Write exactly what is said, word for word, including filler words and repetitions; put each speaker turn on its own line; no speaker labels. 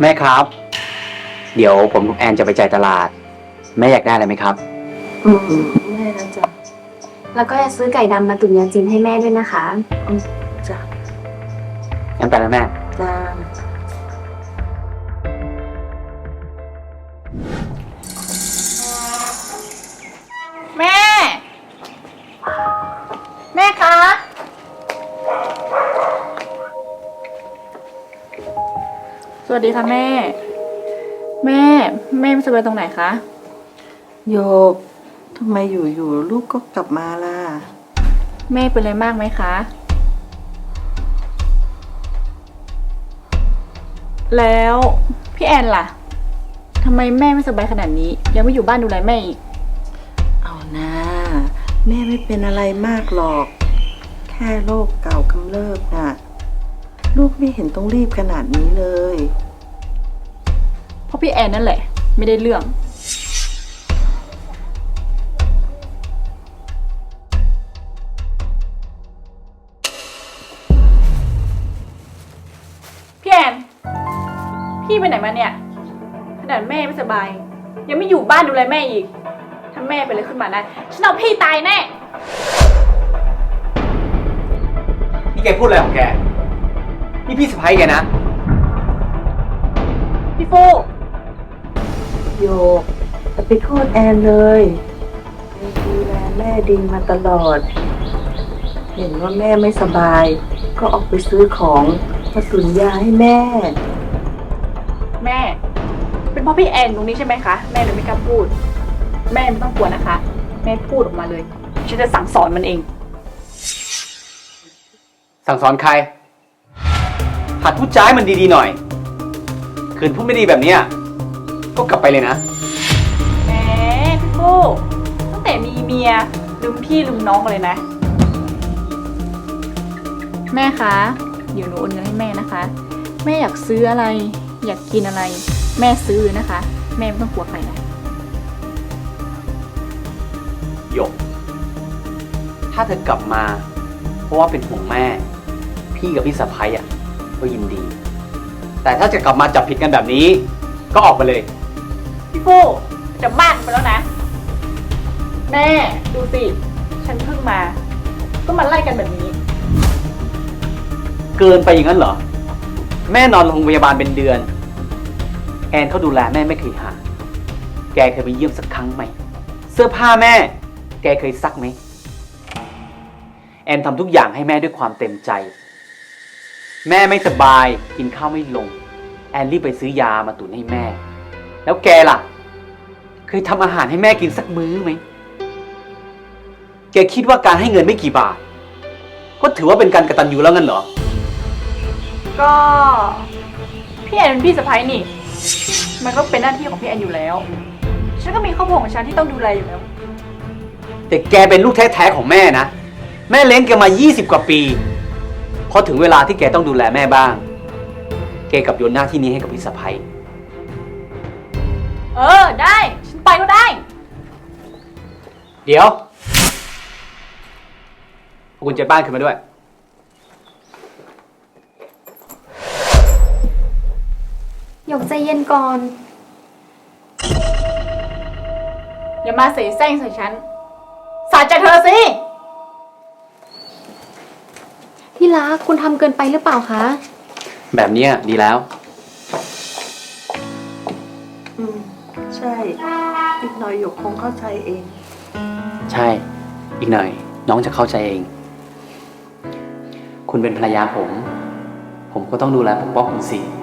แม่ครับ เดี๋ยวผมกับแอนจะไปจ่ายตลาด แม่อยากได้อะไรไหมครับ
อืมแม่นะจ๊ะ
แล้วก็จะซื้อไก่ดำมาตุ๋นยาจีนให้แม่ด้วยนะคะ
อืมจ้ะ
งั้นไปแล้วแม่
จ้า
แม่ แม่คะ สวัสดีค่ะแม่ แม่ แม่ไม่สบายตรงไหนคะ
โยกทำไมอยู่ๆลูกก็กลับมาล่ะ
แม่เป็นอะไรมากไหมคะ แล้วพี่แอนล่ะทำไมแม่ไม่สบายขนาดนี้ ยังไม่อยู่บ้านดูแลแม่อีก
เอานะแม่ไม่เป็นอะไรมากหรอก แค่โรคเก่ากำเริบน่ะ ลูกไม่เห็นต้องรีบขนาดนี้เลย
เพราะพี่แอนนั่นแหละ ไม่ได้เรื่อง พี่แอน พี่ไปไหนมาเนี่ย ขนาดแม่ไม่สบาย ยังไม่อยู่บ้านดูแลแม่อีก ถ้าแม่เป็นอะไรขึ้นมานะฉันเอาพี่ตายแน่
นี่แกพูดอะไรของแก นี่พี่สะพ้ายแกนะ
พี่ฟู
โยกอย่าไปโทษแอนเลยแอนดูแลแม่ดีมาตลอด เห็นว่าแม่ไม่สบาย ก็ออกไปซื้อของมาตุนยาให้แม่
แม่ เป็นเพราะพี่แอนตรงนี้ใช่ไหมคะ แม่เลยไม่กล้าพูด แม่ไม่ต้องกลัวนะคะ แม่พูดออกมาเลย ฉันจะสั่งสอนมันเอง
สั่งสอนใคร หัดพูดจ้ายมันดีๆหน่อย คืนพูดไม่ดีแบบเนี้ยก็กลับไปเลยนะ
แหมพี่ฟูตั้งแต่มีเมียลืมพี่ลืมน้องเลยนะ แม่คะเดี๋ยวหนูโอนเงินให้แม่นะคะ แม่อยากซื้ออะไร อยากกินอะไร แม่ซื้อเลยนะคะ แม่ไม่ต้องกลัวใครนะ
หยก ถ้าเธอกลับมา เพราะว่าเป็นห่วงแม่ พี่กับพี่สะพ้ายอ่ะก็ยินดี แต่ถ้าจะกลับมาจับผิดกันแบบนี้ ก็ออกไปเลย
พี่ฟูจะมากไปแล้วนะ แม่ดูสิ ฉันเพิ่งมา ก็มาไล่กันแบบนี้
เกินไปอย่างนั้นเหรอ แม่นอนโรงพยาบาลเป็นเดือน แอนเขาดูแลแม่ไม่เคยหาแกเคยไปเยี่ยมสักครั้งไหม เสื้อผ้าแม่ แกเคยซักไหม แอนทำทุกอย่างให้แม่ด้วยความเต็มใจ แม่ไม่สบายกินข้าวไม่ลง แอนรีบไปซื้อยามาตุนให้แม่ แล้วแกล่ะ เคยทำอาหารให้แม่กินสักมื้อไหม แกคิดว่าการให้เงินไม่กี่บาท ก็ถือว่าเป็นการกตัญญูแล้วงั้นเหรอ
ก็ พี่แอนเป็นพี่สะใภ้นี่ มันก็เป็นหน้าที่ของพี่แอนอยู่แล้ว ฉันก็มีครอบครัวของฉันที่ต้องดูแลอยู่แล้ว
แต่แกเป็นลูกแท้ๆของแม่นะ แม่เลี้ยงแกมายี่สิบกว่าปี พอถึงเวลาที่แกต้องดูแลแม่บ้าง แกกลับโยนหน้าที่นี้ให้กับพี่สะใภ้
เออได้ ฉันไปก็ได้
เดี๋ยวเอากุญแจบ้านขึ้นมาด้วย
หยกใจเย็นก่อน
อย่ามาเสแสร้งใส่ฉัน สาใจเธอสิ
ที่รักคุณทำเกินไปหรือเปล่าคะ
แบบเนี้ยดีแล้ว
อืม ใช่ อีกหน่อยหยกคงเข้าใจเอง
ใช่ อีกหน่อย น้องจะเข้าใจเอง คุณเป็นภรรยาผม ผมก็ต้องดูแลปกป้องคุณสิ